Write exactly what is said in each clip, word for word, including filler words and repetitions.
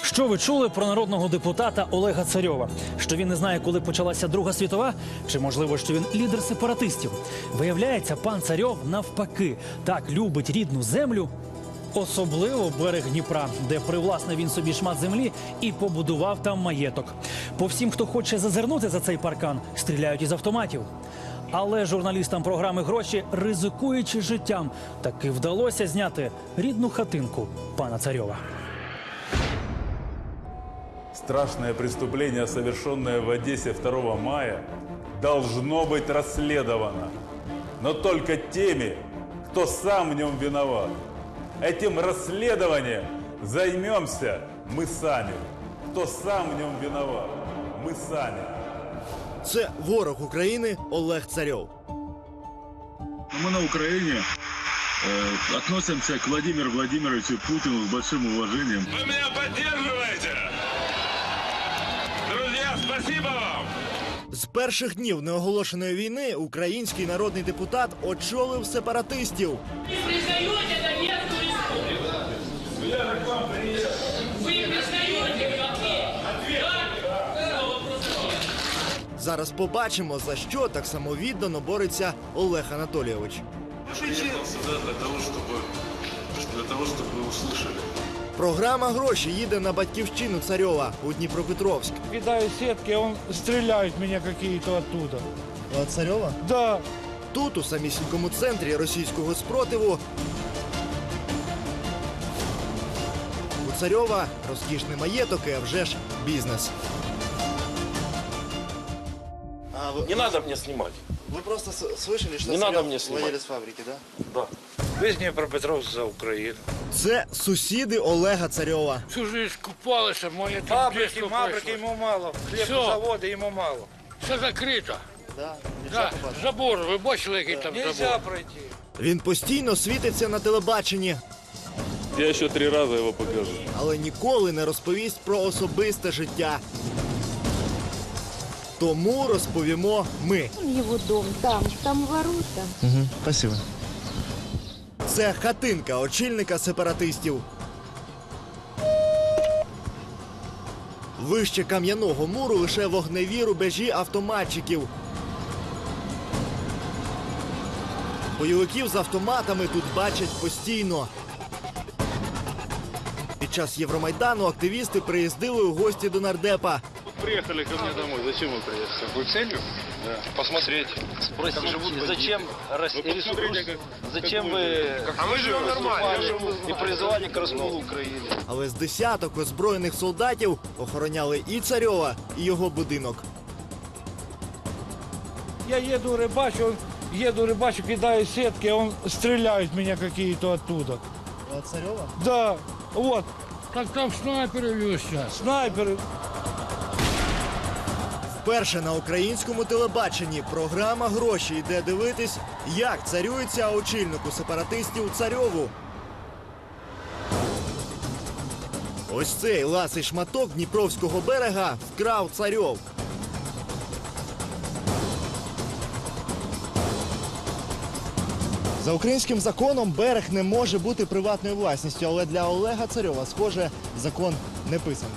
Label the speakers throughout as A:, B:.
A: Що ви чули про народного депутата Олега Царьова? Що він не знає, коли почалася Друга світова? Чи, можливо, що він лідер сепаратистів? Виявляється, пан Царьов навпаки так любить рідну землю, особливо берег Дніпра, де привласнив він собі шмат землі і побудував там маєток. По всім, хто хоче зазирнути за цей паркан, стріляють із автоматів. Але журналістам програми «Гроші», ризикуючи життям, таки вдалося зняти рідну хатинку пана Царьова.
B: Страшное преступление, совершенное в Одессе второго мая, должно быть расследовано. Но только теми, кто сам в нем виноват. Этим расследованием займемся мы сами. Кто сам в нем виноват, мы сами.
C: Це ворог України Олег Царьов.
D: Мы на Украине э, относимся к Владимиру Владимировичу Путину с большим уважением.
E: Вы меня поддерживаете? Друзья, спасибо вам!
C: З перших днів неоголошеної війни український народний депутат очолив сепаратистів.
F: Вы признаете Донецкую республику? Вы признаете как
C: Зараз побачимо, за що так самовіддано бореться Олег Анатолійович.
E: Сюда для того, чтобы, для того, чтобы вы услышали.
C: Програма «Гроші» їде на батьківщину Царьова у Дніпропетровськ.
G: Кидаю сетки, он стреляют меня какие-то оттуда.
C: От Царьова?
G: Да.
C: Тут, у самісінькому центрі російського спротиву, у Царьова розкішний маєток і, а вже ж, бізнес.
H: А вы,
I: Не надо мне снимать.
H: вы просто с- слышали, что
I: Не надо
H: Царёв
I: мне снимать.
H: владелец фабрики, да?
I: Да.
G: Весь Днепропетровск за Украину.
C: Це сусіди Олега Царьова.
J: Всю жизнь купалися, моє тут
G: Фабрики,
J: дійство
G: фабрики
J: пройшло.
G: ему мало. Хлебозаводы ему мало.
J: Все закрито.
H: Да. Нельзя
J: Да,
H: попасть.
J: забор, ви бачили, який там
G: Нельзя
J: забор?
G: пройти.
C: Він постійно світиться на телебаченні,
B: Я еще три раза его покажу.
C: але ніколи не розповість про особисте життя. Тому розповімо ми.
K: Его дом там, там ворота.
C: Угу, спасибо. Це хатинка очільника сепаратистів. Вище кам'яного муру лише вогневі рубежі автоматчиків. Бойовиків з автоматами тут бачать постійно. Під час Євромайдану активісти приїздили у гості до нардепа.
D: Приехали ко мне домой. Зачем вы приехали? С какой целью? Да. Посмотреть.
I: Спросите, зачем, рас...
D: Вы посмотрите, как-
I: зачем
D: как
I: вы
D: вы-
I: а мы живем нормально и призывали к расколу Украины?
C: Але з десяток озброєних солдатів охороняли і Царьова, і його будинок.
G: Я еду рыбачу, он, еду рыбачу, кидаю сетки, он стреляют меня какие-то оттуда.
C: От Царьова?
G: Да, вот,
J: Так там снайпери є зараз.
G: снайперы.
C: Вперше на українському телебаченні програма «Гроші» йде дивитись, як царюється очільнику сепаратистів Царьову. Ось цей ласий шматок Дніпровського берега вкрав Царьов. За українським законом берег не може бути приватною власністю, але для Олега Царьова, схоже, закон не писаний.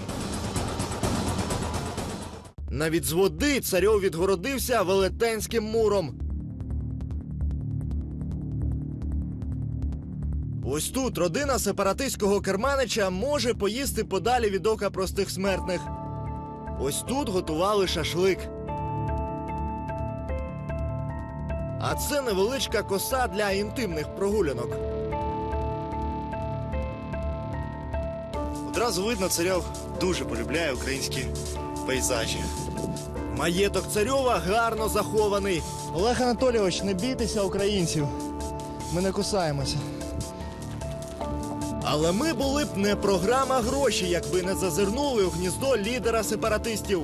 C: Навіть з води Царьов відгородився велетенським муром. Ось тут родина сепаратистського керманича може поїсти подалі від ока простих смертних. Ось тут готували шашлик. А це невеличка коса для інтимних прогулянок.
H: Одразу видно, Царьов дуже полюбляє українські пейзажі.
C: Маєток Царьова гарно захований. Олег Анатолійович, не бійтеся українців. Ми не кусаємося. Але ми були б не програма «Гроші», якби не зазирнули у гніздо лідера сепаратистів.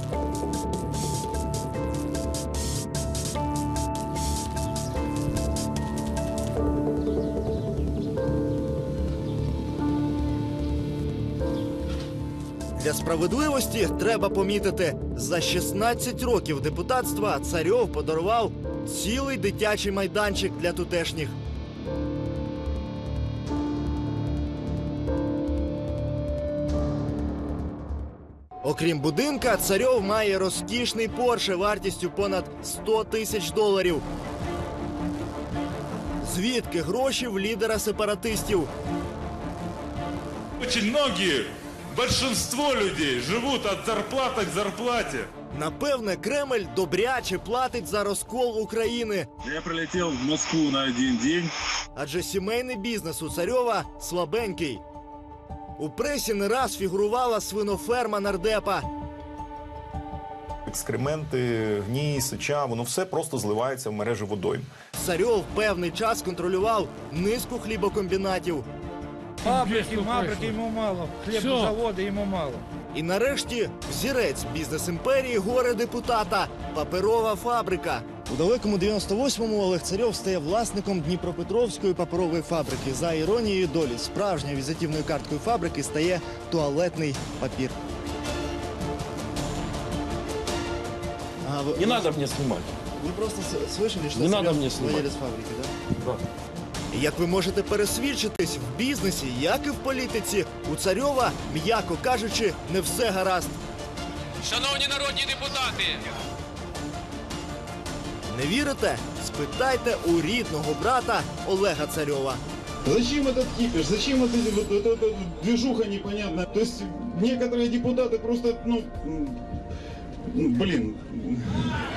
C: Для справедливості треба помітити, за шістнадцять років депутатства Царьов подарував цілий дитячий майданчик для тутешніх. Окрім будинка, Царьов має розкішний Порше вартістю понад сто тисяч доларів. Звідки гроші в лідера сепаратистів?
B: Очень многие, большинство людей живут от зарплаты к зарплате.
C: Напевне, Кремль добряче платить за розкол України.
D: Я прилетел в Москву на один день.
C: Адже сімейний бізнес у Царьова слабенький. У пресі не раз фігурувала свиноферма нардепа.
L: Екскременти, гній, сеча, воно все просто зливається в мережі водойм.
C: Царьов певний час контролював низку хлібокомбінатів.
G: Фабрики, мабрики йому мало, хлібозаводи йому мало.
C: І нарешті взірець бізнес-імперії горе-депутата – паперова фабрика. У далекому дев'яносто восьмому Олег Царьов стає власником Дніпропетровської паперової фабрики. За іронією долі, справжньою візитівною карткою фабрики стає туалетний папір. А, вы,
J: Не надо мне снимать.
C: Ви просто с- слышали, що
J: Не надо
C: Царьов
J: мені знімати.
C: владелець фабрики, так?
J: Да.
C: І як ви можете пересвідчитись, в бізнесі, як і в політиці, у Царьова, м'яко кажучи, не все гаразд.
F: Шановні народні депутати,
C: Не вірите? Спитайте у рідного брата Олега Царьова.
M: Зачем этот кипиш? Зачем вот эти вот, вот эта движуха непонятная? То есть некоторые депутаты просто, ну, м, ну блин,